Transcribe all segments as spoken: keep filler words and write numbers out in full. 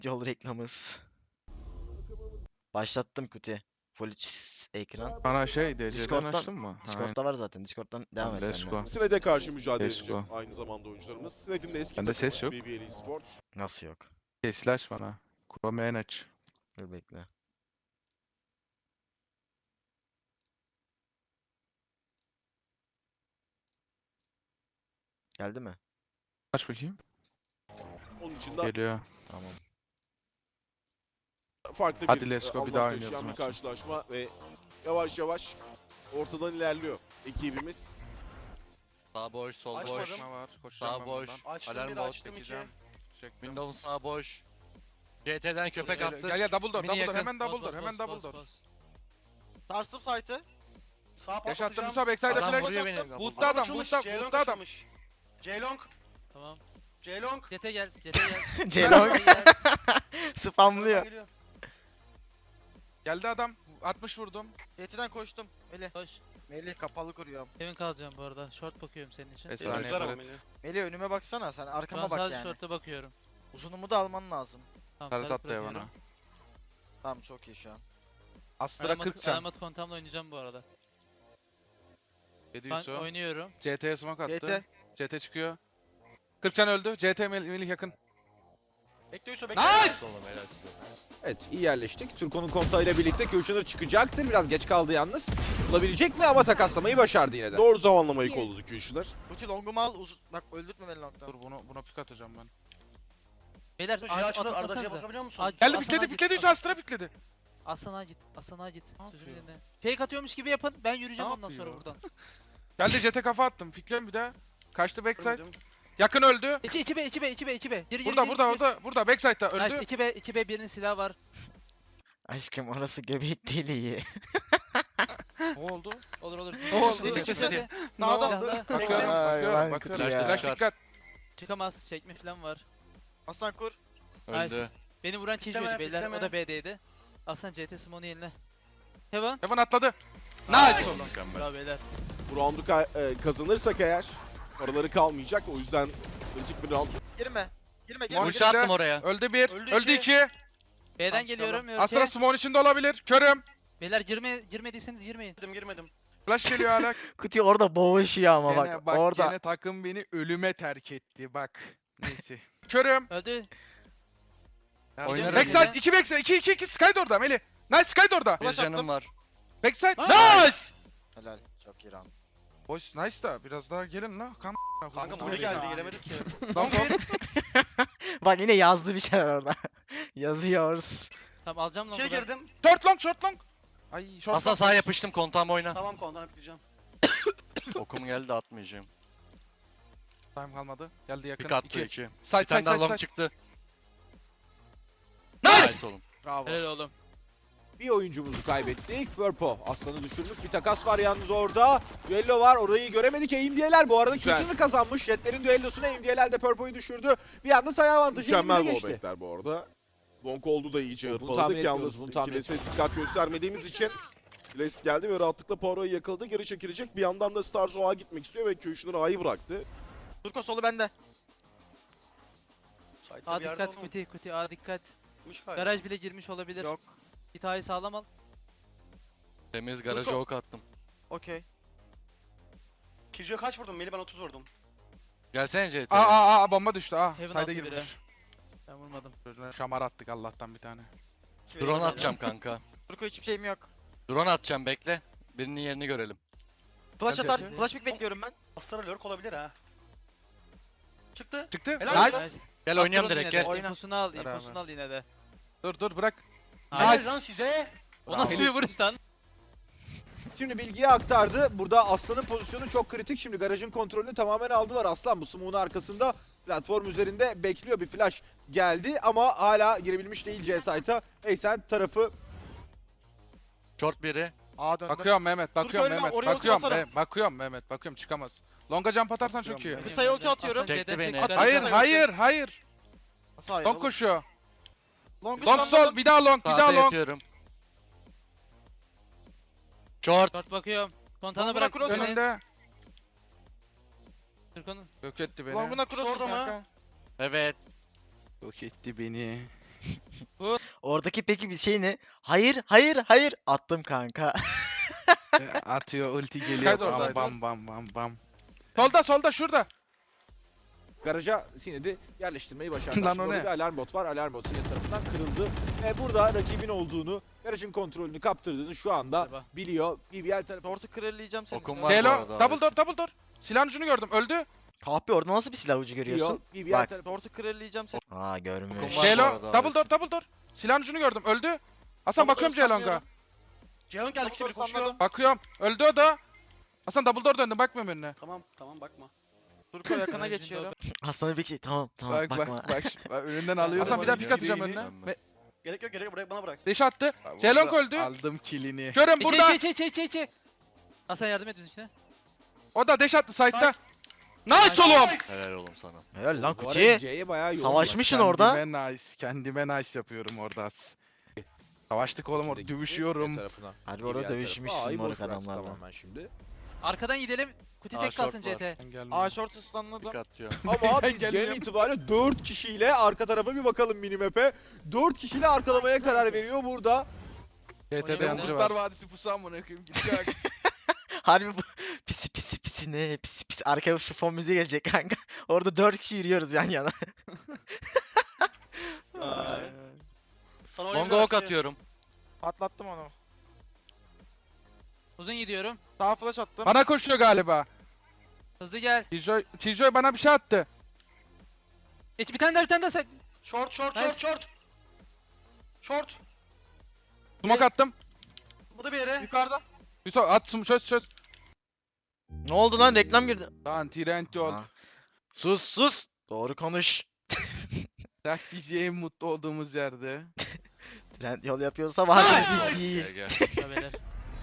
Yol reklamız. Başlattım kuti. Full ekran. Bana şey D C'den Discord'dan- açtın mı? Ha, Discord'da var zaten. Discord'dan devam et. let's benimle. go. Sined'e karşı mücadele Let's edecek go. aynı zamanda oyuncularımız. Sined'in de eski Bende takımı ses yok. B B L Esports. Nasıl yok? Şey, slash bana. Chrome'en aç. Dur bekle. Geldi mi? Aç bakayım. Onun için de Geliyor. Tamam. farklı Hadi bir let's go, e, bir daha anlam oynuyoruz taşıyan bir maçı. karşılaşma ve yavaş yavaş ortadan ilerliyor ekibimiz. Sağ boş, sol Açmadım. boş. Koşma var. Koşacağım Sağ ben boş. buradan. Açtım Alarm bir, bot açtım iki. Çekeceğim. Çektim. Windows'un sağ boş. C T'den köpek Gel, attı. Gel gel double door, Mini double door. yakın. Hemen double Bas, door, bas, hemen bas, double bas, door. bas. Sarsım site'ı. Sağ Yaşattım patlatacağım. Musa, backside Adam flash. vuruyor beni. Boot'ta adam, açılmış. boot'ta, Ceylon boot'ta adam. açılmış. Ceylon. Tamam. Ceylon. Jet'e gel, Jet'e gel. Ceylon Jet'e gel. spamlıyor. Geliyor. Geldi adam. altmış vurdum. Yetiden koştum. Melih. Koş. Melih kapalı kuruyorum. Emin kalacağım bu arada. Short bakıyorum senin için. Efsane Tutar ama yaparız. beni. Melih önüme baksana sen Şu arkama an bak sadece yani. short'a bakıyorum. Uzunumu da alman lazım. Tamam, Tarıt tarif attı ya bana. bırakıyorum. Tamam çok iyi şu an. Astra Alamat, kırk can. alamat kontamla oynayacağım bu arada. yedi Ben yüz o. oynuyorum. C T'ye smoke attı. G T. C T çıkıyor. kırk can öldü. C T Mel- Melih yakın. Bekle Yusuf bekle. Nice! Oğlum helal size. Evet, iyi yerleştik. Turko'nun kontağıyla birlikte Kürşunur çıkacaktır. Biraz geç kaldı yalnız. Bulabilecek mi ama takaslamayı başardı yine de. Doğru zamanlamayı kolladı Kürşüler. Uti longumu al. Uz bak öldürtme beni longdan. Dur bunu buna pik atacağım ben. Beyler Dur A- şey açılır. at- Ardacı'ya atsanıza. bakabiliyor musun? Aç- Geldi Aslan'a pikledi git, pikledi Aslan- Astra pikledi. Aslan'a git. Aslan'a git. Sözümü yapıyor? dinle. Fake atıyormuş gibi yapın. Ben yürüyeceğim Ne ondan sonra yapıyor? buradan. Geldi C T kafa attım. Pikliyorum bir daha. Kaçtı backside. Gördüm. Yakın öldü. İçi içi B, içi B, içi B, içi B. Geri geri Burada geri, burada geri. burada burada backside'da öldü. Nice, içi B, içi B birinin silahı var. Aşkım orası göbek deliği. Ne oldu? Olur olur. Ne oldu? Çekil, İkisi çekil. de- Sağda. Silahla. Bakıyorum Ay, bakıyorum ben bakıyorum. kutu ya. Flash Çıkar. dikkat. Çıkamaz. Çekme falan var. Aslan kur. Öldü. Nice. Beni vuran Pikleme, Kijo'ydu beyler. pikleme. O da B'deydi. Aslan C T Simone'u yenile. Heaven. Heaven atladı. Nice. Mükemmel. Bravo beyler. Bu roundu ka- e, kazanırsak eğer paraları kalmayacak. O yüzden kritik bir round. Girme. Girme girme. Mon- Ulti girme. attım oraya. Öldü bir. Öldü Öldü iki. iki. B'den Tamam, geliyorum. Astra Örke. smoke içinde olabilir. Körüm. Beyler girme, girmediyseniz girmeyin. Girmedim girmedim. Flash geliyor hala. Kuti orada boğuşuyor ama Gene bak, bak orada. gene takım beni ölüme terk etti bak. Neyse. Körüm. Öldü. Oynarım. Backside iki backside iki iki iki Sky orada Melih. Nice Sky orada. Bir canım var. Backside. Nice! Helal. Çok iyi round. Boys nice da biraz daha gelin la. Kam Kanka Muri geldi gelemedik ki. Long long. Bak yine yazdı bir şeyler orada. Yazıyoruz. Tamam alacağım lan İçeri buradan. girdim. Short long short long. Ay short Aslan long. sağa yapıştım kontağım oyna. Tamam kondan atlayacağım. Okum geldi atmayacağım. Time kalmadı. Geldi yakın. Pik attı iki. iki. Side Bir tane side daha side long side. çıktı. Nice. Nice oğlum. Bravo. Helal oğlum. Bir oyuncumuzu kaybettik. Purpo aslanı düşürmüş. Bir takas var yalnız orada. Düello var. Orayı göremedik. Eimdiyeler bu arada Güzel. Kürşunur kazanmış. Jetlerin düellosuna Eimdiyeler de Purpo'yu düşürdü. Bir anda sayı avantajı Mükemmel elimize geçti. wallbackler bu arada. Long oldu da iyice Bunu tahmin hırpaladık. etmiyoruz, Yalnız bunu tahmin kilese dikkat göstermediğimiz için Kiles geldi ve rahatlıkla Poirot'u yakaladı. Geri çekilecek. Bir yandan da Stars O'a gitmek istiyor ve Kürşüner A'yı bıraktı. Turko solu bende. Site'da A bir yerde dikkat olmamış kuti kuti A dikkat. galiba. Garaj bile girmiş olabilir. Yok. Git A'yı sağlam al. Temiz garaja Turko. ok attım. Okey. Kijo'ya kaç vurdum? Melih ben otuz vurdum. Gelsene C Aa T'ye. aa aa bomba düştü. Aa. Heaven Side'e altı biri. girmiş. Ben vurmadım. Çocuğuna şamar attık Allah'tan bir tane. İki Drone verdim atacağım kanka. Turko hiçbir şeyim yok. Drone atacağım bekle. Birinin yerini görelim. Flash Hadi, atar. hadi. Flash pick bekliyorum ben. beni. Astra lurk olabilir ha. Çıktı. Çıktı. Helal Nice. olsun. Nice. Gel At oynayalım drone'u direkt yine de. gel. Oyna. İnfosunu al, Beraber. infosunu al yine de. Dur dur bırak. Helal Nice. lan size. O nasıl bir vuruş lan? Şimdi bilgiyi aktardı. Burada Aslan'ın pozisyonu çok kritik. Şimdi garajın kontrolünü tamamen aldılar. Aslan bu smoke'un arkasında platform üzerinde bekliyor. Bir flash geldi ama hala girebilmiş değil C site'a. Eysen tarafı Short biri. A döndüm. Bakıyorum Mehmet, bakıyorum ölme, Mehmet. oraya ulti Bakıyorum, basarım. Mehmet, bakıyorum Mehmet, bakıyorum çıkamaz. Longa jump atarsan çok iyi. Bakıyorum Kısa yolcu atıyorum. Aslan Çekti C'den beni. çek, garaj Hayır, al. hayır, hayır. Nasıl hayır? Long oğlum? koşuyor. Long'u Long sol, spamladım. bir daha long, bir Sağda daha long. yatıyorum. Short. Short bakıyorum. Kontana Long'una bırak. cross Önüne. Önünde. Turko'nun. Yok etti beni. Long'una cross'um Sordu mu? kanka. Evet. Yok etti beni. Oradaki peki bir şey ne? Hayır, hayır, hayır. Attım kanka. Atıyor ulti geliyor. Kaydı Bam oradaydı. bam bam bam bam. Solda solda şurada. Garaja Sined'i yerleştirmeyi başardı. Lan Şimdi o orada ne? bir alarm bot var. Alarm bot Sined tarafından kırıldı. Ve burada rakibin olduğunu, garajın kontrolünü kaptırdığını şu anda Galiba. biliyor. B B L tarafı Tortu kralleyeceğim seni. Okum işte. var bu Delo arada. double door double door. Silahın ucunu gördüm öldü. Kahpe orada nasıl bir silah ucu biliyor. görüyorsun? B B L Bak. tarafı Tortu kralleyeceğim seni. Aa görmüş. Okum var. bu Delo arada, double door evet. double door. Silahın ucunu gördüm öldü. Hasan bakıyorum Ceylonga. Ceyhun geldi Double kimi koşuyor. sanmadım. Bakıyorum. Öldü o da. Hasan double door döndüm bakmıyorum önüne. Tamam tamam bakma. Turko yakına Garajın geçiyorum. Hastanın bir şey tamam tamam Bak bakma. bak bak. bak önünden alıyorum. Hasan bir daha pik atacağım önüne. Ben mi? Ve Gerek yok gerek yok bırak bana bırak. deş attı. Ceylonga öldü. Aldım kilini. Görün İçe burada. içe içe içe içe. Hasan yardım et bizimkine. O da deş attı side'da. Side. Nice oğlum. Helal oğlum sana. Helal lan Bu arada Kuti. C'ye bayağı yoğun. Savaşmışsın orada. Kendime nice. Kendime nice yapıyorum orada. Savaştık oğlum orada dövüşüyorum. Harbi orada dövüşmüşsün moruk adamlarla. Tamamen şimdi. Arkadan gidelim. Kuti Aa, tek short kalsın var. C T. Ben gelmedim. A short ıslanladım. Pik atıyor. Ama Ben biz genel geliyorum. itibariyle dört kişiyle arka tarafa bir bakalım minimap'e. dört kişiyle arkalamaya karar veriyor burada. G T'de Oynayalım. yancı Kurtlar var. Vadisi pusu amına koyayım. Gidecek. Harbi bu pisi pisi pisi ne pisi pisi arkaya şu fon müziği gelecek kanka. Orada dört kişi yürüyoruz yan yana. Sana Longa ok atıyorum. Patlattım onu. Uzun gidiyorum. Sağ flash attım. Bana koşuyor galiba. Hızlı gel. Killjoy, Killjoy bana bir şey attı. Geç bir tane daha bir tane daha sen. Short short Nice. short short. Short. Smoke attım. Bu da bir yere. Yukarıda. Bir so at sum çöz çöz. Ne oldu lan reklam girdi. Lan Trent yol. Aa. Sus sus. Doğru konuş. Bırak bizi en mutlu olduğumuz yerde. Trend yol yapıyorsa var. Gel gel. Beyler.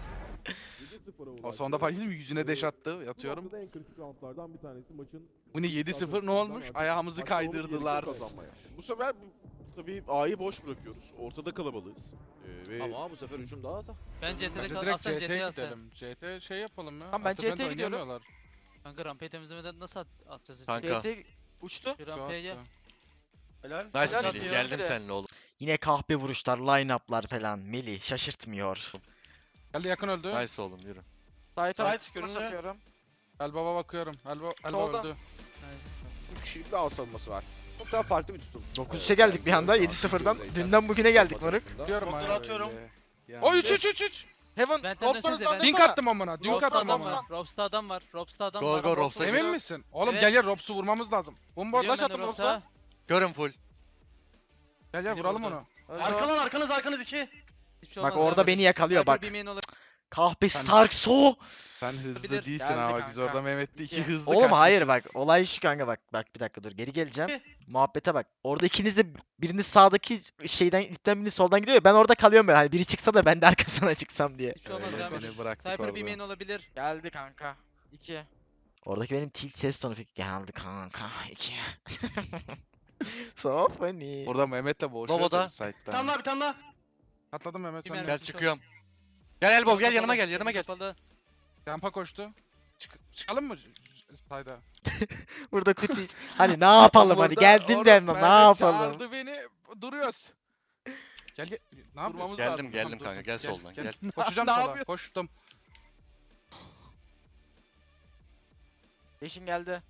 O sonunda fark ettim yüzüne deş attı. Yatıyorum. Bu en kritik roundlardan bir tanesi maçın. Bu ne yedi sıfır ne olmuş? Ayağımızı Maçta olmuş, kaydırdılar. yedi sıfır kazanmaya. Bu sefer bu- tabii A'yı boş bırakıyoruz. Ortada kalabalığız. Ee, ve Ama bu sefer hücum daha da. Ben C T'de Bence kal. direkt Aslan C C T'ye T'ye atsa. gidelim. C T şey yapalım ya. Tamam, ben Afterburn C T'ye gidiyorum. oynayamıyorlar. Kanka rampayı temizlemeden nasıl at atacağız? Kanka. G T uçtu. Bir rampaya gel. Helal. Nice Helal Melih. atıyor. Geldim Hadi. seninle oğlum. Yine kahpe vuruşlar, line-up'lar falan. Melih şaşırtmıyor. Geldi yakın öldü. Nice oğlum yürü. Side Side flash görünüyor. atıyorum. El baba bakıyorum. El, ba El Solda. öldü. Nice. üç kişilik bir ağ savunması var. Çok daha farklı bir tutum. dokuz üçe geldik bir anda yedi sıfırdan. Dünden bugüne geldik moruk. Diyorum Smoke'ları hala atıyorum. öyle. Yani O üç üç üç üç. Heaven. Benden Robs'tan dönsenize, hızlandırsana. Dink attım amına. Dink Robs'ta attım adam amına. var. Robs'ta adam var. Robs'ta adam Go, var. go, Robs'ta Robs'a adam Emin var. misin? Oğlum Evet. gel gel Robs'u vurmamız lazım. Bomba Biliyorum Flash ben de attım Robs'a. Görün full. Gel gel Beni vuralım vurdu. onu. Öldü. Arkadan arkanız arkanız iki. Hiçbir şey Bak olmaz, orada devam beni et. yakalıyor Sniper bak. bir main olabilir. Kahpe Starkso. sen hızlı Bilir. değilsin Geldi ama kanka. biz orada Mehmet'le iki İki. hızlı Oğlum hayır kaçmışız. bak olay şu kanka bak bak bir dakika dur geri geleceğim. Muhabbete bak. Orada ikiniz de biriniz sağdaki şeyden ipten biriniz soldan gidiyor ya ben orada kalıyorum böyle hani biri çıksa da ben de arkasına çıksam diye. Hiçbir şey olmaz Öyle devam et. seni bıraktık Sniper bir orada. main olabilir. Geldi kanka. iki. Oradaki benim tilt ses tonu pek geldi kanka iki. So funny. Orada Mehmet'le boğuşuyordu Lobo'da. Bir site'den. tane daha bir tane daha. Atladım Mehmet Bir sen. mermi. de. Gel çıkıyorum. Gel Elbow gel yanıma gel yanıma gel. Kapalı. Rampa koştu. Çık çıkalım mı? Sayda. Burada kuti. Hani ne yapalım hadi geldim de ne yapalım. Çağırdı beni. Duruyoruz. Gel gel. Ne yapıyorsun? Durmamız Geldim, lazım. geldim Tamam, dur, kanka, dur. gel soldan, gel. Koşacağım Ne sola. yapıyorsun? Koştum. Beşin geldi.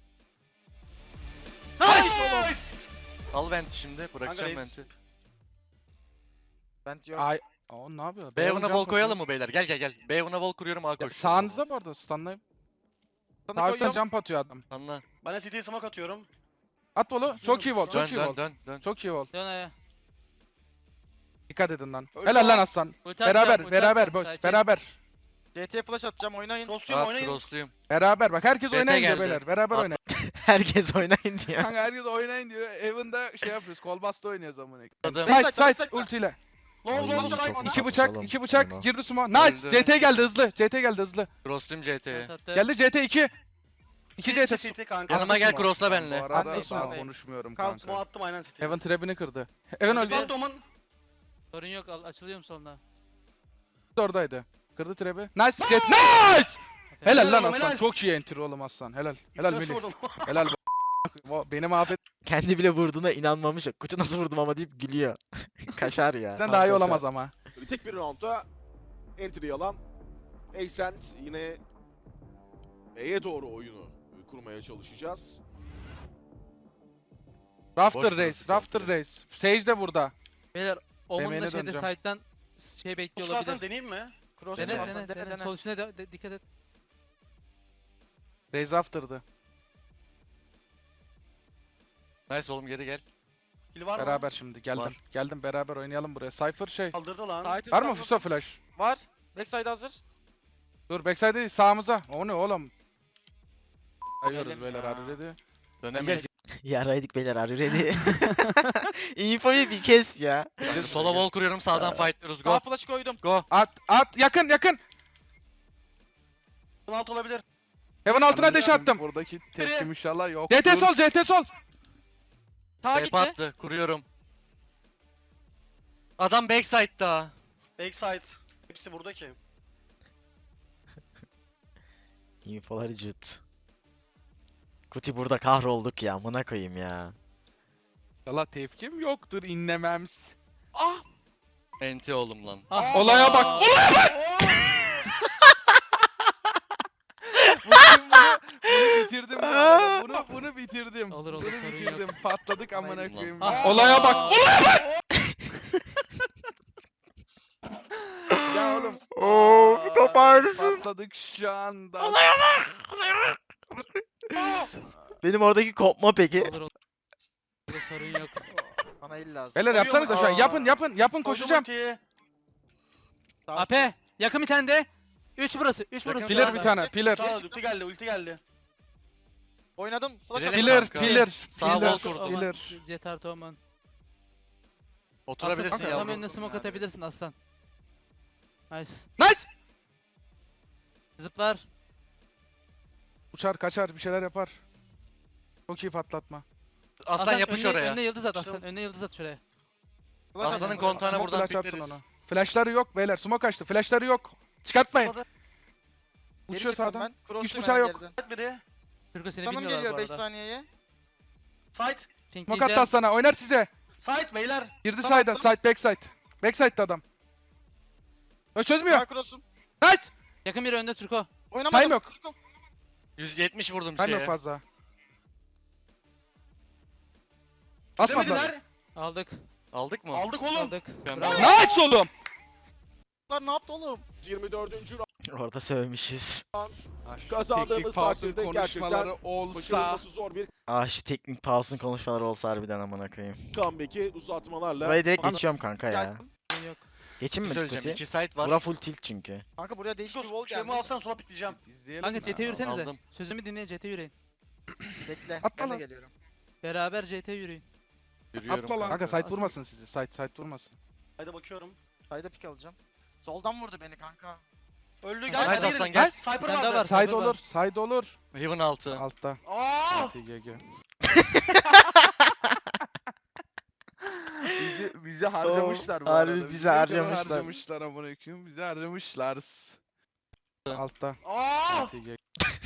Nice. Al venti şimdi. Bırakacağım reis. venti. Ben yok. Ay. O ne yapıyor? Beyoğlu'na Beyaz wall jump koyalım atıyor. mı beyler? Gel gel gel. Beyoğlu'na wall kuruyorum A Ya, koş. sağınızda bu arada stunlayayım. Sana Sağ üstten koyuyorum. jump atıyor adam. Anla. Ben de City'ye smoke atıyorum. At bolu. Çok iyi wall. Çok Dön iyi dön wall. dön dön. Çok iyi wall. Dön aya. Dikkat edin lan. Öldü Helal lan lan. aslan. Ulti atacağım, Beraber ulti beraber atacağım, boş. sakin. Beraber. G T flash atacağım oynayın. Cross'luyum At oynayın. crossluyum. Beraber bak herkes B T oynayın diyor geldi. beyler. Beraber At- oynayın. Herkes oynayın diyor. Kanka herkes oynayın diyor. Evan'da şey yapıyoruz. Kolbasta oynuyoruz amına. Adım. Side dakika, beş side dakika. ultiyle. Low Ay, low çok side. iyi. İki Sapı bıçak, salın. iki bıçak Eyvah. girdi suma. Nice. Öldü. C T geldi hızlı. C T geldi hızlı. Crossluyum C T'ye. Evet, attı. Geldi C T iki. iki C City T. City kanka. Yanıma gel Attım crossla Bu benle. arada Anlayış, daha anlayış. konuşmuyorum Kalk, kanka. Smoke attım aynen City'ye. Evan trap'ini kırdı. Evan öldü. Ben Doman. Sorun yok al- açılıyorum soluna. Oradaydı. Kırdı trap'i. Nice. Jet. Nice. Helal lan Helal, aslan. helal. Çok iyi enter oğlum aslan. Helal. Helal Nasıl Melih. vurdun? Helal. Bu- Beni mahvet. Kendi bile vurduğuna inanmamış. Kutu nasıl vurdum ama deyip gülüyor. Kaşar ya. Bizden daha iyi Kaşar. olamaz ama. Kritik bir roundda entry alan Ascent yine B'ye doğru oyunu kurmaya çalışacağız. Rafter Boş Race, burası Rafter komple. Race. Sage de burada. Beyler Omen Yemeğine da şeyde döneceğim. side'dan şey bekliyor Oscar'san olabilir. deneyeyim mi? Cross Dene dene, dene dene, dene. dene, dene. Sol üstüne de, de- dikkat et. Raze Rafter'dı. Nice oğlum geri gel. Kill var mı? Beraber şimdi geldim. Var. Geldim beraber oynayalım buraya. Cypher şey. Kaldırdı lan. Side Var mı hızlı Fuso flash? Var. Backside hazır. Dur backside değil sağımıza. O ne oğlum? Ayıyoruz Elim beyler ya. hadi dedi. Dönemeyiz. Yaraydık beyler are you ready? Infoyu bir kes ya. Ben sola wall kuruyorum sağdan fightlıyoruz. Daha Go. flash koydum. Go. At at yakın yakın. Alt olabilir. Heaven altına deş attım. Buradaki tepkim inşallah yok. C T sol C T sol. Sağa Tep gitti. attı. Kuruyorum. Adam backside'da. Backside. Hepsi burada ki. Infoları cut. Kuti burada kahrolduk ya. Amına koyayım ya. İnşallah tepkim yoktur inlemems. Enti oğlum lan. Ah. Olaya bak. Olaya bak. Bunu bitirdim bu arada. Bunu bunu bitirdim. Olur, olur, Bunu sorun yok. bitirdim. Patladık amına Aynen lan. koyayım. Ah. Olaya bak. Olaya bak. Ya oğlum. Oo, Aa, kafa ağrısın. Patladık şu anda. Benim oradaki kopma peki. Olur olur. Burada sorun yok. Bana il lazım. Beyler yapsanıza şu an. Yapın yapın yapın koşacağım. Koşacağım. Daha A P yakın bir tane de. üç burası. üç Yakın burası. Pillar sağ. bir tane. Pillar. Tamam ulti geldi ulti geldi. oynadım. Flash Bilerek attım. Pillar. kanka. Pillar. Sağ Pillar. wall kurdum. Pillar. Jet artı Omen. Oturabilirsin Aslan, tam yavrum. önüne smoke atabilirsin aslan. Nice. Nice. Zıplar. Uçar kaçar bir şeyler yapar. Çok iyi patlatma. Aslan yapış önüne, oraya. Önüne yıldız at aslan. Önüne yıldız at şuraya. Flash Aslanın attım. kontağına Smoke buradan flash attın pikleriz. ona. Flashları yok beyler. Smoke açtı. Flashları yok. Çıkartmayın. Zıpladı. Geri Uçuyor çıkmadım sağdan. ben. Cross Hiç dönüyorum bıçağı yok. geriden. Side biri. Türko seni Tanım bilmiyorlar geliyor bu beş arada. saniyeye. Side. Smoke attı Pinkleyeceğim. Aslan'a. Oynar size. Side beyler. Girdi Tamam, side'a. Side backside. Backside'da adam. Ö çözmüyor. Daha cross'um. Nice. Yakın biri önde Türko. Oynamadım. Time yok. yüz yetmiş vurdum Time yok şeye. fazla. Basmadılar. Demediler. Aldık. Aldık mı? Aldık oğlum. Aldık. Ben- Bravo. Nice oğlum. Lan ne yaptı oğlum? yirmi dördüncü Orada sövmüşüz. round Şu Kazandığımız teknik pause'un takdirde konuşmaları gerçekten olsa. başarılması zor bir Ah şu teknik pause'un konuşmaları olsa harbiden amına koyayım. comeback'i uzatmalarla Burayı direkt Anladım. geçiyorum kanka ya. Geldim. Sorun yok. Geçeyim mi Söyleyeceğim. Kuti? İki site var. Bura full tilt çünkü. Kanka buraya değişik bir wall Şeyimi geldi. alsan sola pikleyeceğim. İzleyelim Kanka mi? C T yürüsenize. Aldım. Sözümü dinleyin C T yürüyün. Bekle. Atla Ben de lan. geliyorum. Beraber C T yürüyün. Yürüyorum. Atla lan. Kanka site Aslan- vurmasın sizi. Site site vurmasın. Haydi bakıyorum. Sayda pik alacağım. Soldan vurdu beni kanka. Öldü Nice gel. Nice side'e aslan girin. gel. Sniper Bir tane daha vardı. var. Side Cyber olur. var. Side olur. Heaven altı. Altta. Aa! G G. Bizi, bizi harcamışlar bu harbi arada. bizi de harcamışlar. harcamışlar amına koyayım. Bizi harcamışlar. Altta. Aa! G G.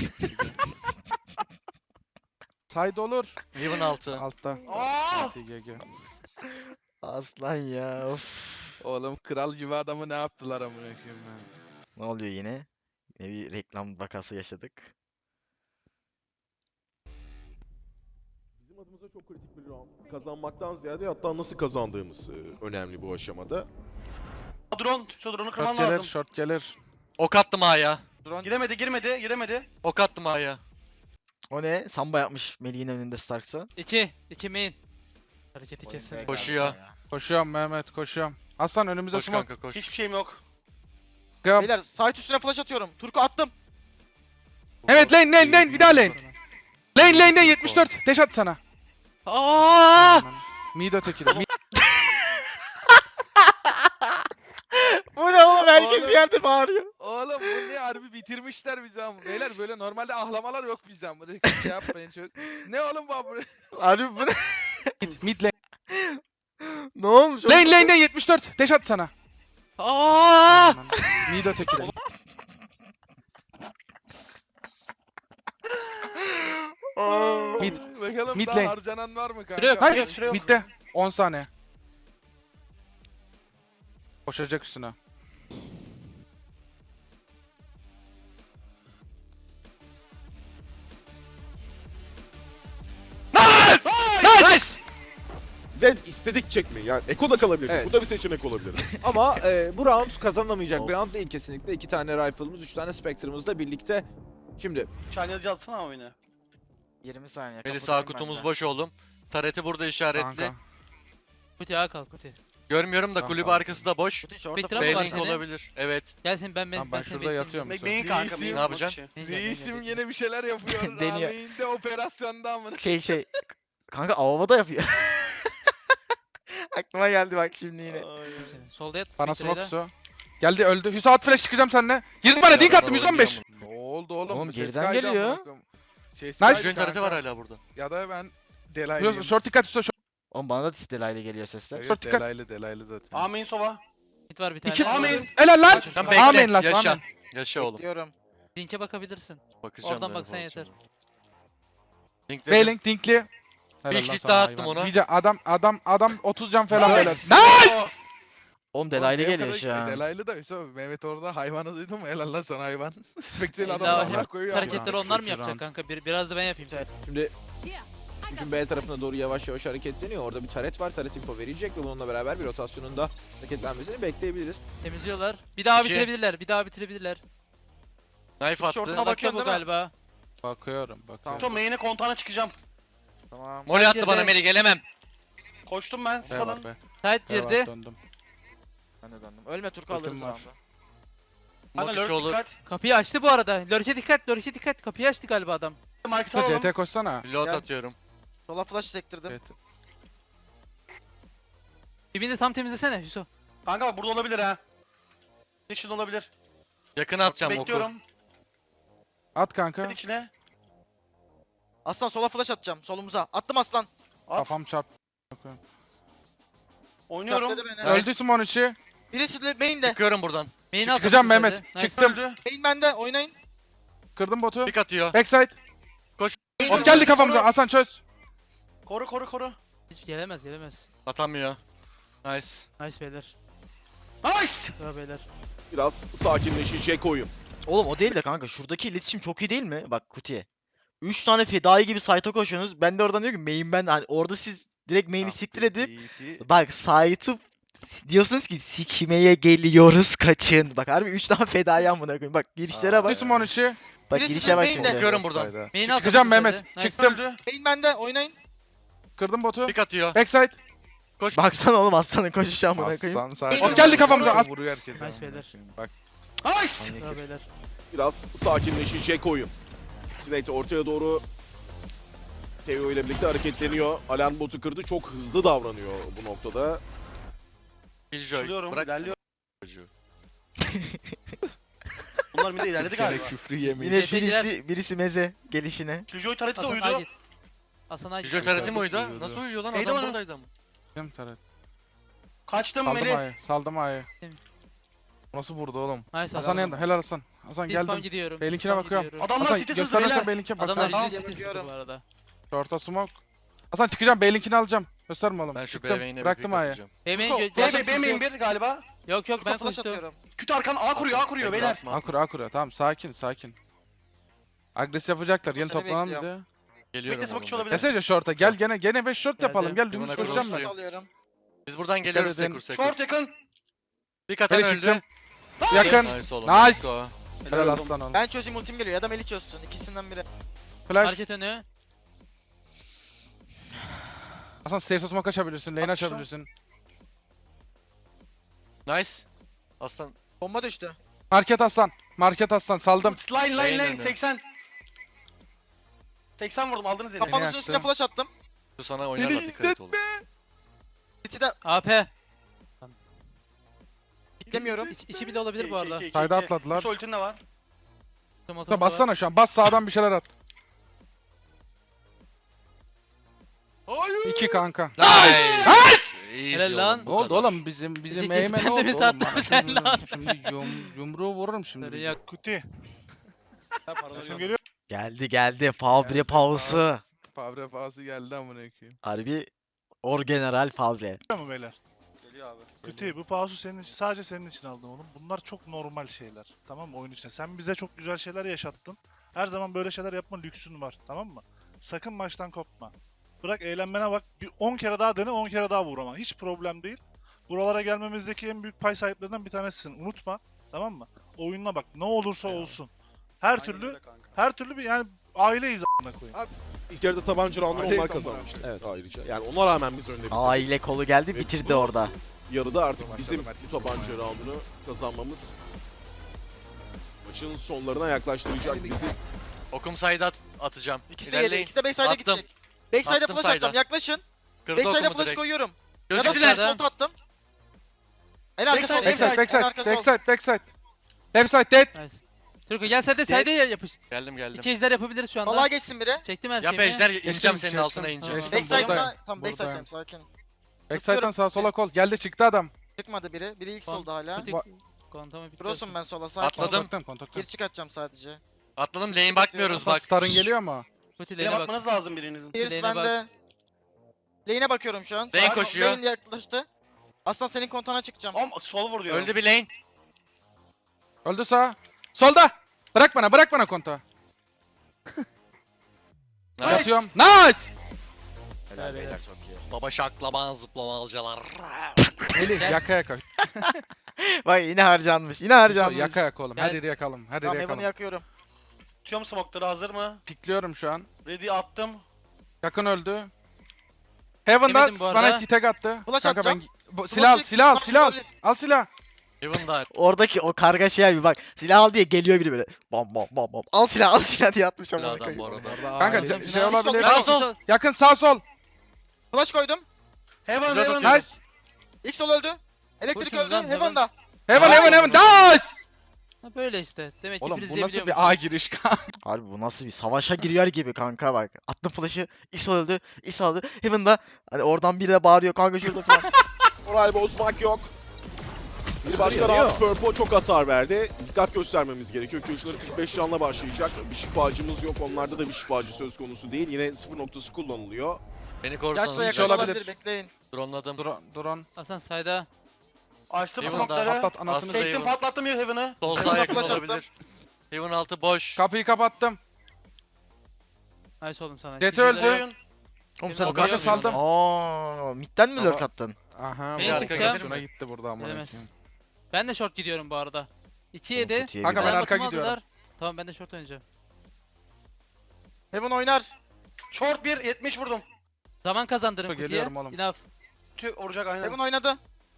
Side olur. Heaven altı. Altta. Aa! G G. Aslan ya of. Oğlum kral gibi adamı ne yaptılar amına koyayım ya. Ne oluyor yine? Yine bir reklam vakası yaşadık. bizim adımıza çok kritik bir round. Kazanmaktan ziyade hatta nasıl kazandığımız e, önemli bu aşamada. Drone. Şu drone'u kırman Short gelir. lazım. Short gelir. Ok attım A'ya. Giremedi girmedi giremedi. Ok attım A'ya. O ne? Samba yapmış Melih'in önünde Starks'a. İki. İki main. Hareketi kesin. Koşuyor. Koşuyorum Mehmet koşuyorum. Aslan önümüzde Koş smoke. kanka koş. Hiçbir şeyim yok. Gap. Beyler site üstüne flash atıyorum. Turku attım. Evet lane lane lane bir daha lane. Lane lane lane yetmiş dört. Deş at sana. Aa! Mid öteki de. Mid. Bu ne oğlum? Herkes Oğlum. bir yerde bağırıyor. Oğlum bu ne harbi bitirmişler bizi ama. Beyler böyle normalde ahlamalar yok bizden. Böyle şey yapmayın çok. Ne oğlum bu abi? Harbi bu ne? Mid, mid lane. Ne olmuş? oğlum? Lane lane lane yetmiş dört. Deş at sana. Aa! Mid öteki de. Mid. Bakalım Mid daha lane. harcanan var mı kanka? Şuraya yok, Hayır, şuraya, şuraya yok. midde. on saniye. Koşacak üstüne. Nice! Ve istedik çekme. Yani Eko da kalabilir. Evet. Bu da bir seçenek olabilir. Ama e, bu round kazanamayacak Of. bir round değil kesinlikle. İki tane rifle'ımız, üç tane Spectre'ımızla birlikte. Şimdi Çalyacı atsana ama oyunu. yirmi saniye. Beni sağ kapatayım kutumuz ben de. boş oğlum. Tareti burada işaretli. Kanka. Kuti ağa kal Kuti. Görmüyorum da Tamam, kulübü tamam. arkası da boş. Bütün şu Bekle orta ama var B-Link senin. olabilir. Evet. Gel sen ben ben, Tamam, ben, ben seni şurada bekliyorum. yatıyorum. Bek- Main kanka, main Ne yapacaksın? Main gel, main gel, Reisim bekle. yine bir şeyler yapıyor. Deniyor. Rahmeyinde operasyonda amına. Şey şey. Kanka avava da yapıyor. Aklıma geldi bak şimdi yine. Bekliyorum seni. Solda yat. Bana Spectre'yle. smoke su. Geldi öldü. Hüso at flash çıkacağım seninle. Girdi bana dink attım yüz on beş. Ne oldu oğlum? Oğlum Bu ses geriden kaydı geliyor. amına koyayım. Ses Nice. kaydı Jön tareti kanka. var hala burada. Ya da ben Hüso Delaylıyım. short dikkat Hüso short. Oğlum bana da Tistelay'la geliyor sesler. Evet, Short dikkat. Delaylı delaylı zaten. Amin sova. Mid var bir tane. İki amin. Helal. Helal lan. Sen Amin bekle. last, Yaşa. amin. Yaşa oğlum. Bekliyorum. Link'e bakabilirsin. Bakacağım Oradan ben baksan pozisyona. yeter. Link dedim. B-Link dinkli. Helal Bir lan hit sana daha attım hayvan. ona. Diyeceğim adam adam adam otuz can falan Nice. beyler. Oğlum Delay'la geliyor şu an. Delaylı da Hüso Mehmet orada hayvanı duydun mu? Helal lan sana hayvan. Spectre'li Daha adam hep Allah koyuyor. ama. Hareketleri ya. onlar mı Kötü yapacak round. kanka? Bir, biraz da ben yapayım. Şimdi üçün B tarafına doğru yavaş yavaş hareketleniyor. Orada bir taret var. Taret info verecek ve bununla beraber bir rotasyonun da hareketlenmesini bekleyebiliriz. Temizliyorlar. Bir daha İki. bitirebilirler. Bir daha bitirebilirler. Knife attı. Şortuna Bakıyor bakıyorsun bu değil mi? galiba. Bakıyorum bakıyorum. Tom main'e kontağına çıkacağım. Tamam. Moli attı Girdi. bana Meli gelemem. Koştum ben. B Skalın. var be. Tight B var, girdi. döndüm. Ben de döndüm. Ölme Turku Ultim alırız var. round'u. Kanka lurk Motiçoğlu. dikkat. Kapıyı açtı bu arada. Lurch'e dikkat. Lurch'e dikkat. Kapıyı açtı galiba adam. Market Hüso alalım. C T koşsana. Reload Gel. atıyorum. Sola flash sektirdim. Evet. Dibini de tam temizlesene Hüso. Kanka bak burada olabilir ha. İçin olabilir. Yakına atacağım oku. Bekliyorum. At kanka. Git içine. Aslan sola flash atacağım. Solumuza. Attım aslan. At. Kafam çarp. Oynuyorum. Dörtledi beni. Nice. Öldü Simon içi. Birisi de main'de. Çıkıyorum buradan. Main'i Çık- al çıkacağım sakın Mehmet. üzerinde. Nice. Çıktım. Öldü. Main bende. Oynayın. Kırdım botu. Pik atıyor. Backside. Koş. Hop geldi kafamıza. Hasan çöz. Koru koru koru. Hiç gelemez gelemez. Atamıyor. Nice. Nice beyler. Nice. Bravo beyler. Biraz sakinleşecek oyun. Oğlum o değil de kanka şuradaki iletişim çok iyi değil mi? Bak Kuti'ye. üç tane fedai gibi site'a koşuyorsunuz. Ben de oradan diyorum ki main ben hani orada siz direkt main'i siktir edip bak site'ı diyorsunuz ki sikmeye geliyoruz kaçın. Bak harbi üç tane fedai amına koyayım. Bak girişlere Öldü bak. Simon içi. Bak Birisi girişe bak main'de. şimdi. Çıkıyorum buradan. Main'i al Çıkacağım sakın Mehmet. üzerinde. Nice. Çıktım. Öldü. Main bende. Oynayın. Kırdım botu. Pik atıyor. Backside. Baksana oğlum aslanın koşuşu amına koyayım. Aslan sadece Hop, geldi kafamıza. As- vuruyor herkese. Nice amına beyler. koyayım. Bak Nice. Bravo beyler. Biraz sakinleşecek oyun. Snake ortaya doğru Teo ile birlikte hareketleniyor. Alarm botu kırdı. Çok hızlı davranıyor bu noktada. Killjoy. Açılıyorum. Bırak İlerliyorum. çocuğu. Bunlar bir de ilerledi bir kere galiba. küfrü yemeyin. Yine Yeteciler. birisi birisi meze gelişine. Killjoy tareti de Hasan uyudu. Agit. Hasan Agit. Killjoy tareti mi Uyudu. uydu? Nasıl uyuyor lan? Neydi Adam bana? buradaydı ama. Kırdım taret. Kaçtım Saldım Meli. A'yı. Saldım A'yı. Nasıl vurdu oğlum? Nice Hasan Hasan. yanında. Helal Hasan. Hasan Bir spam geldim. gidiyorum. Beylinkine bir spam bakıyorum. gidiyorum. Adamlar Hasan sitesiz gösterirsen beyler. Beylink'e Adamlar bakarım. yüzde Tamam, sitesiz bakıyorum. bu arada. Short'a smoke. Hasan çıkacağım. Beylink'ini alacağım. Gösterme oğlum. Ben şu Çıktım. B main'e bir Bıraktım pik A'yı. atacağım. Benim Turko, gö- B Hasan B B main tutuyor. bir galiba. Yok yok ben Turku flash koştum. atıyorum. Küt arkan A kuruyor A kuruyor beyler. Atma. Akura akura. Tamam sakin sakin. Agresif yapacaklar. Yeni Seni toplanan bir bekliyorum. de. Geliyorum Bekle smoke oğlum. olabilir. Desene short'a. Gel gene gene beş short Geldi. yapalım. Gel Bir dümdüz bana koşacağım cross ben. Flash alıyorum. Biz buradan geliyoruz edin. Sekur Sekur. Short yakın. Pik atan Beni öldü. çıktım. Yakın. Nice oğlum. Nice. let's go. Helal aslan oğlum. Ben çözeyim ultim geliyor ya da Melih çözsün. İkisinden biri. Flash. Hareket önü. Hasan safe smoke açabilirsin. Lane Atmışlar. açabilirsin. Nice. Aslan. Bomba düştü. Market Hasan. Market Hasan. Saldım. Line line Lane line önü. seksen. seksen vurdum aldınız yine. Kafanızın yaktım. üstüne flash attım. Bu sana oynarlar dikkat et oğlum. İçi de A P. bitlemiyorum. İç, içi bile olabilir bu arada. Sayda atladılar. Yusuf ultin de var. Tomato Hasan var. bassana şu an. Bas sağdan bir şeyler at. Hayır. İki kanka. Nice. Easy Helal lan. oğlum, Ne bu oldu kadar. oğlum bizim bizim Sekiz eğmen bende oldu mi oğlum. sattın Bana sen şimdi- lan? Şimdi yum, yumruğu vururum şimdi. Ya Sesim geliyor. Geldi geldi. Fabre Geldi, Pausu. Favre pahası geldi amına koyayım. Harbi Orgeneral Fabre. Tamam beyler. Geliyor abi. Kötü bu pausu senin için sadece senin için aldım oğlum. Bunlar çok normal şeyler. Tamam mı oyun içinde? Sen bize çok güzel şeyler yaşattın. Her zaman böyle şeyler yapma lüksün var. Tamam mı? Sakın maçtan kopma. Bırak eğlenmene bak. Bir on kere daha dene, on kere daha vur ama. Hiç problem değil. Buralara gelmemizdeki en büyük pay sahiplerinden bir tanesisin. Unutma. Tamam mı? Oyununa bak. Ne olursa olsun. Her Aynen türlü öyle kanka. her türlü bir yani aileyiz a**ına koyayım. İlk yarıda tabanca roundunu Aleyküm onlar kazanmıştı. Evet ayrıca. Yani ona rağmen biz önde bitirdik. Aile kolu geldi Ve bitirdi bu- orada. Yarıda artık bizim bu tabanca roundunu kazanmamız maçın sonlarına yaklaştıracak bizi. Okum side'a at atacağım. İkisi de yedi. İlerleyin. İkisi de backside'a Attım. gidecek. Backside'a Attım flash side'a. atacağım. Yaklaşın. Kırdı Backside'a okumu flash direkt. koyuyorum. Ya da Gözüktüler. flash bolt attım. En arka sol. Backside, Backside, En backside, arka sol. backside, backside. Left side dead. Nice. Turko gel sen de side'e yapış. Geldim geldim. İki ejder yapabiliriz şu anda. Vallahi geçsin biri. Çektim her Yap şeyimi. ejder Geçtim, ineceğim senin geçtim. altına ineceğim. Tamam. Geçtim. Backside'da Buradayım. tam Buradayım. backside'dayım sakin. Backside'dan sağa sola kol. Geldi çıktı adam. Çıkmadı biri. Biri ilk Kon- solda hala. Kutik- Va- Kontamı bitiriyorsun. Cross'um ben sola sakin. Atladım. Kontaktan, kontaktan. Gir çık atacağım sadece. Atladım lane bakmıyoruz Hasan bak. Star'ın geliyor mu? Kuti Yine lane'e bak. bakmanız lazım birinizin. Pierce Lane'e bak. bende. Lane'e bakıyorum şu an. Lane Sağ- koşuyor. Lane yaklaştı. Aslan senin kontana çıkacağım. Om sol vur diyorum. Öldü bir lane. Öldü sağ. Solda. Bırak bana, bırak bana konta. Nice. Yatıyorum. Nice! Helal beyler çok iyi. Baba şaklaban zıplamalıcalar. Melih yaka yaka. Bak yine harcanmış. Yine harcanmış. Yaka yaka oğlum. Her Gel. yeri yakalım. Her yeri Tamam Evan'ı yakalım. yakıyorum. Tutuyorum smoke'ları hazır mı? Pikliyorum şu an. Ready attım. Yakın öldü. Heaven'da Yemedim bu bana arada. iki tek attı. Flash Kanka ben atacağım. bu, silah al, Flash- silah al, flash silah al. olabilir. Al silah. Heaven'da. Oradaki o kargaşaya bir bak. Silah al diye geliyor biri böyle. Bam bam bam bam. Al silah al silah diye atmış ama. Adam bu arada. Kanka Aile- ce- şey Sol, olabilir. Sağ sol. Yakın sağ sol. Flash koydum. Heaven Şurada Heaven. tutuyorum. Nice. İlk sol öldü. Elektrik Koşun öldü. lan, Heaven. Heaven'da. Heaven Nice. heaven heaven. Nice! Ha, böyle işte. Demek ki Oğlum bu freezeleyebiliyor nasıl musunuz? bir A giriş kanka? Harbi bu nasıl bir savaşa giriyor gibi kanka bak. Attım flash'ı. İso öldü. İso öldü. Heaven'da hani oradan biri de bağırıyor kanka şurada falan. Moral bozmak yok. Bir başka round Purple çok hasar verdi. Dikkat göstermemiz gerekiyor. Kılıçları kırk beş canla başlayacak. Bir şifacımız yok. Onlarda da bir şifacı söz konusu değil. Yine sıfır noktası kullanılıyor. Beni Yaşla korusanız. yakın yakın olabilir. olabilir. Bekleyin. Drone Drone, drone. Hasan side'a. Açtım Heaven'da. smoke'ları. Patlat anasını. Aslında- Çektim patlattım ya Heaven'ı. Sol Heaven'da sağ yakın flash attım. olabilir. Heaven altı boş. Kapıyı kapattım. Nice oğlum sana. Jet Güzel öldü. yok. Oyun. Oğlum sen O o kadar kadar saldım. Aa, midden mi lurk Ama- attın? Aha. Main bu çıkacağım. Şuna gitti burada amına Gelemez. koyayım. Ben de short gidiyorum bu arada. iki Oğlum yedi. kötüye Kanka gidiyor. ben arka Aldılar. gidiyorum. Tamam ben de short oynayacağım. Heaven oynar. Short bir yetmiş vurdum. Zaman kazandırın Geliyorum kutuya. oğlum. Enough. Tüh vuracak aynen. Heaven oynadı.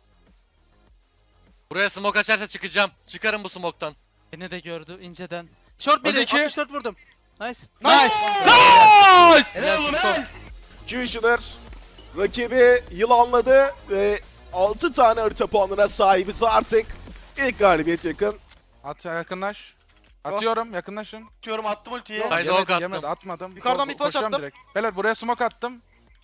Buraya smoke açarsa çıkacağım. Çıkarım bu smoke'tan. Beni de gördü inceden. Short Hadi biri. iki. altmış dört vurdum. Nice. Nice. Nice! Helal oğlum helal. Kushner rakibi yılanladı ve altı tane harita puanına sahibiz artık. İlk galibiyet yakın. At yakınlaş. Atıyorum yakınlaşın. Tutuyorum attım ultiyi. Haydi Yemedi, ok attım. yemedi, atmadım. Yukarıdan Ko- bir flash koşuyorum attım. direkt. Beyler buraya smoke attım.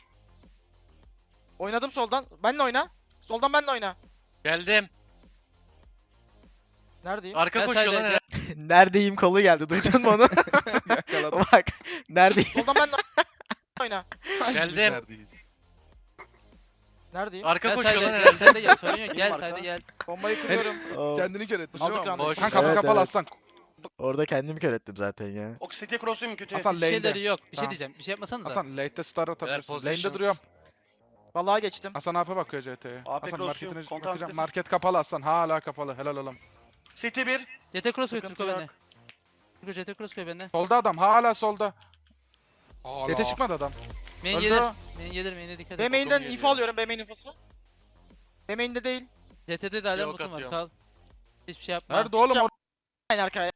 Oynadım soldan. Benle oyna. Soldan benle oyna. Geldim. Neredeyim? Arka Gel koşuyor side'e, lan. gel. Neredeyim kolu geldi. Duydun mu onu? Yakaladım. Bak. Neredeyim? Soldan benle oyna. Geldim. Neredeyiz? Neredeyim? Arka Gel koşuyor lan side'e gel. herhalde. Sen de gel. Sorun yok. Gel Benim side'e arka. gel. Bombayı kuruyorum. Oo, Kendini kör etmiş. Aldık değil mi? round'u. Boş. Kanka kafa Evet, kapalı evet. aslan. Orada kendimi kör ettim zaten ya. O City cross'uyum kötü. Hasan Bir lane'de. şeyleri yok. Bir şey Tamam. diyeceğim. Bir şey yapmasanıza. Hasan late'de star atabilirsin. Lane'de positions. duruyorum. Vallahi geçtim. Hasan A P bakıyor C T'ye. A P Hasan cross'uyum, marketine kontak bakacağım. vitesi. Market kapalı Hasan. Hala kapalı. Helal oğlum. City bir. C T cross koy Sıkıntı Turko yok. bende. Turko C T cross koy bende. Solda adam. Hala solda. C T Hala. çıkmadı adam. Main Öldü gelir. o. Main gelir. Main'e dikkat B et. main'den geliyor. info alıyorum. B main infosu. B main'de değil. C T'de de alarm Yok botum var. atıyorum. Kal. Hiçbir şey yapma. Nerede oğlum? Hocam- o- En arkaya.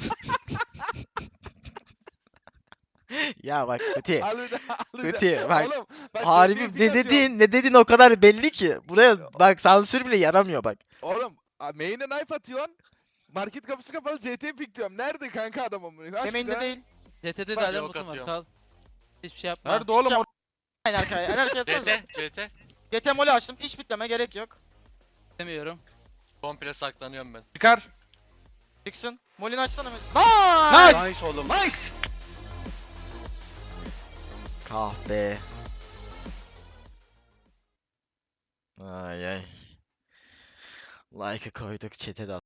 Ya bak Kuti. Al bir daha, al bir daha. Kuti bak. Oğlum, ben Harbi C T'ye ping ne atıyorum. dediğin ne dediğin o kadar belli ki. Buraya bak sansür bile yaramıyor bak. Oğlum a- main'e knife atıyorsun. Market kapısı kapalı C T'ye pikliyorum. Nerede kanka adam amına? Aç B bir main'de daha. değil. C T'de de Bak, alarm yok botum var. atıyorum. Kal. Hiçbir şey yapma. Nerede oğlum? Hocam- o- En arkaya. En arkaya C atsanıza. T. C T. G T molly açtım. Hiç bitleme gerek yok. Demiyorum. Komple saklanıyorum ben. Çıkar. Çıksın. Molly'ni açsana. Nice! Nice. Nice oğlum. Nice. Kahpe. Ay ay. Like'ı koyduk, chat'e de